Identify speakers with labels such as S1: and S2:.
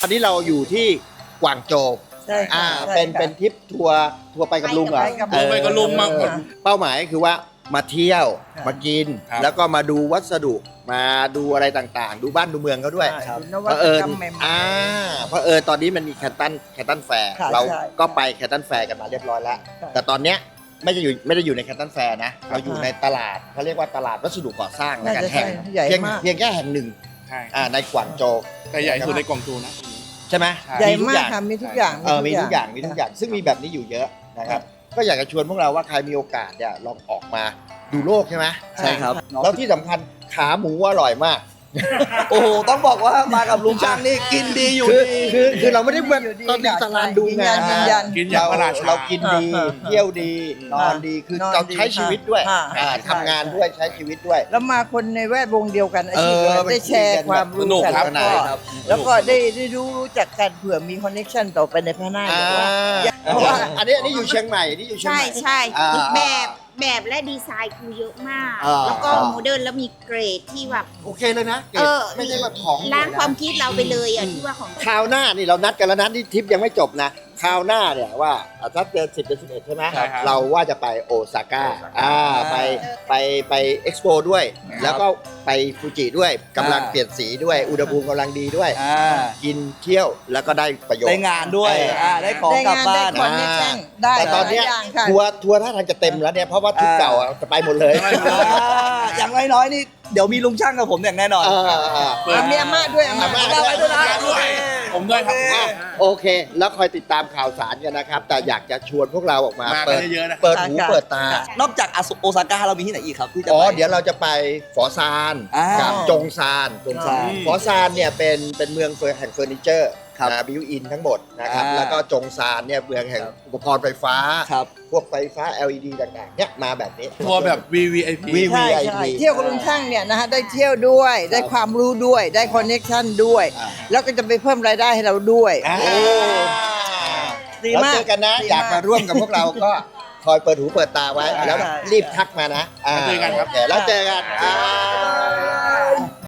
S1: ตอนนี้เราอยู่ที่กวางโจว
S2: ใช่ค่ะใช่
S1: เป็น
S2: ค่ะ
S1: เป็นทริปทัวร์ไปกับลุงเหรอ
S2: ไปกับลุง
S3: ไปกับลุงมาหมด
S1: เป้าหมายคือว่ามาเที่ยว
S2: ค่ะ
S1: มากิน
S3: ครับ
S1: แล้วก็มาดูวัสดุมาดูอะไรต่างๆ ดูบ้านดูเมืองเขาด้วย
S2: ใช่น
S1: เผ
S2: วัต
S1: อิญ
S2: กรรมใหม่ๆ
S1: เพราะตอนนี้มันมีแคตตันแฟร์
S2: ค่ะ
S1: เรา
S2: ใช่
S1: ก็ไปแคตตันแฟร์กันมาเรียบร้อยแล้ว
S2: ค่ะ
S1: แต่ตอนเนี้ยไม่ได้อยู่ในแคตตันแฟร์นะ เราอยู่ในตลาดเขาเรียกว่าตลาดวัสดุก่อสร้างแล้วกัน
S2: น่าจะ
S1: แห่ง
S2: ใหญ่
S1: เพียง
S2: มาก
S1: เพียงแค่แห่งหนึ่ง
S3: ใช่
S1: ในกวางโจว
S3: แต่ใหญ่สุดในกล่องจูนะ
S1: ใช่ไหม
S2: ใหญ่
S1: ทุ
S2: มาก
S1: อย่ง
S2: ค่ะมีทุกอย่าง
S1: มีทุกอย่างซึ่งมีแบบนี้อยู่เยอะนะครับ ก็อยากจะชวนพวกเราว่าใครมีโอกาสเนี่ยลองออกมาดูโลกใช่ไหม
S4: ใช่ครับ
S1: แล้วที่สำคัญขาหมูอร่อยมาก
S4: โอ้โหต้องบอกว่ามากับลุงช่างนี่กินดีอยู่
S1: คือ
S4: ดี
S1: คือเราไม่ได้แบบ
S2: อยู่ดี
S1: ตอนนี้ตารางดู
S2: ยืน
S1: งา
S2: ยั
S1: น
S2: นยืนยัน
S3: กินอย่างพระราชา
S1: เรากินดี เที่ยวดี นอนดีคือน
S2: อน
S1: เรา
S2: ดี
S1: ใช้ชีวิตด้วย
S2: ค่ะ
S1: ทำงานด้วยใช้ชีวิตด้วย
S2: แล้วมาคนในแวดวงเดียวกันอาชีพเดียวกัน
S1: มัน
S2: ได้แชร์ความรู้
S3: สนุก
S2: กัน
S3: ครับ
S2: แล้วก็
S4: ครับ
S2: แล้วก็ได้รู้จักกันเผื่อมีคอนเนคชั่นต่อไปในภายหน้า
S1: อ่า
S2: เพราะว่า
S1: อันนี้อยู่เชียงใหม่นี่อยู่เชียง
S5: ใช่
S1: ใหม่
S5: ใช่
S1: อ่า
S5: แบบและดีไซน์คือเยอะมาก
S1: อ่า
S5: แล้วก็โมเดิร์นแล้วมีเกรดที่แบบ
S1: โอเคเลยนะ ไม่ใช่ว่าของ
S5: ล้างความคิดเราไปเลยอ่ะที่ว่าของ
S1: คราวหน้านี่เรานัดกันแล้วนะที่ทริปยังไม่จบนะคราวหน้าเนี่ยว่าถ้าเดือน10 เดือน 11 ใช่ไหม
S3: ใช่ครับ
S1: เราว่าจะไปโอซาก้าไปเอ็กซ์โปด้วย แล้วก็ไปฟูจิด้วยกำลังเปลี่ยนสีด้วย อุณหภูมิกำลังดีด้วย
S4: อ่า
S1: กินเที่ยวแล้วก็ได้ประโยชน์
S4: ได้งานด้วยได้ของ
S2: ได้
S4: กลับ
S2: งาน
S4: บ้า
S2: ได้
S4: น
S2: คอนเนคชั่นได้
S1: แต่ตอนเนี้ย
S2: หลายอย่างค่ะ
S1: ทัวร์ท่าทางจะเต็มแล้วเนี่ยเพราะว่าทริปเก่าจะไปหมดเลย
S4: อย่างน้อยๆนี่เดี๋ยวมีลุงช่างกับผมอย่างแน่นอน
S3: เปิด
S2: มีอาม่าด้วยอาม่า
S1: อาม่า
S4: ได้ไปด้วยนะ
S3: ผมด้วยครับ
S1: โอเค แล้วคอยติดตามข่าวสารกันนะครับ แต่อยากจะชวนพวกเราออกมา
S3: มา
S1: เปิด
S3: เยอะๆนะครับ
S1: เปิดหูเปิดตา
S4: นอกจากโอซาก้าเรามีที่ไหนอีกครับที่จะ
S1: อ๋อ
S4: ไป
S1: เดี๋ยวเราจะไปฝอซาน
S4: อ่ากั
S1: กับจงซาน
S4: จงซาน
S1: ฝอซานเนี่ยเป็นเมืองแห่งเฟอร์นิเจอร์
S4: ครับ
S1: บิวอินทั้งหมดนะครับ
S4: อ่า
S1: แล้วก็จงซานเนี่ยเมืองแห่งอุปกรณ์ไฟฟ้า
S4: ครับ
S1: พวกไฟฟ้า LED ต่างๆเนี่ยมาแบบนี้
S3: ทัวร์แบบ VVIP
S1: วี
S2: ใช่ใช่เที่ยวกับลุงช่างเนี่ยนะฮะได้เที่ยวด้วย ได้ความรู้ด้วยได้คอนเนคชั่นด้วย
S1: อ่า
S2: แล้วก็จะไปเพิ่มรายได้ให้เราด้วย
S1: อ่า
S2: ดี
S1: แล้ว
S2: มาก
S1: เจอกันนะ
S2: ดี
S1: อยากมาร่วมกับพวกเราก็คอยเปิดหูเปิดตาไว้
S2: ใช่
S1: แล้วรีบทักมานะ
S3: แล้วเจอกันครับ
S1: โอแล้วเจอกัน